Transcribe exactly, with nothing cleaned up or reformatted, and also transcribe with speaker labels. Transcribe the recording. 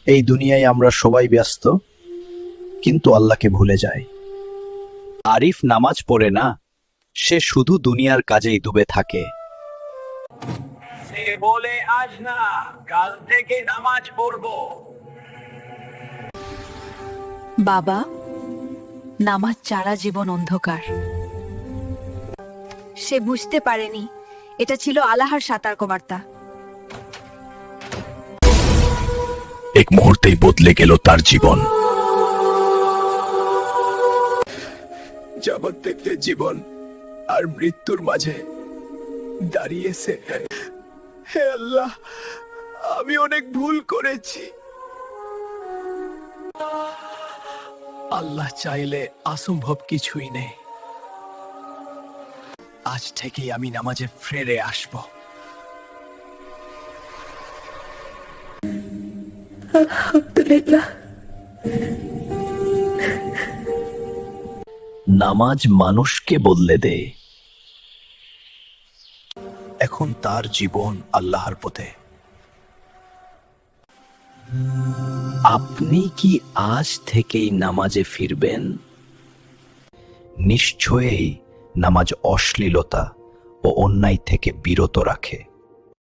Speaker 1: এই দুনিয়ায় আমরা সবাই ব্যস্ত, কিন্তু আল্লাহকে ভুলে যাই। আরিফ নামাজ পড়ে না, সে শুধু দুনিয়ার কাজেই ডুবে থাকে।
Speaker 2: সে বলে আজ না, কাল থেকে নামাজ পড়বো।
Speaker 3: বাবা, নামাজ ছাড়া জীবন অন্ধকার। সে বুঝতে পারেনি এটা ছিল আল্লাহর সতর্কবার্তা।
Speaker 1: এক মুহূর্তেই বদলে গেল তার জীবন। জগৎ থেকে জীবন আর মৃত্যুর মাঝে দাঁড়িয়েছে। হে আল্লাহ, আমি অনেক ভুল করেছি। আল্লাহ চাইলে অসম্ভব কিছুই নেই। আজ থেকেই আমি নামাজে ফিরে আসব।
Speaker 3: আলহামদুলিল্লাহ।
Speaker 1: নামাজ মানুষকে বদলে দেয়। এখন তার জীবন আল্লাহর পথে। আপনি কি আজ থেকেই নামাজে ফিরবেন? নিশ্চয়ই নামাজ অশ্লীলতা ও অন্যায় থেকে বিরত রাখে।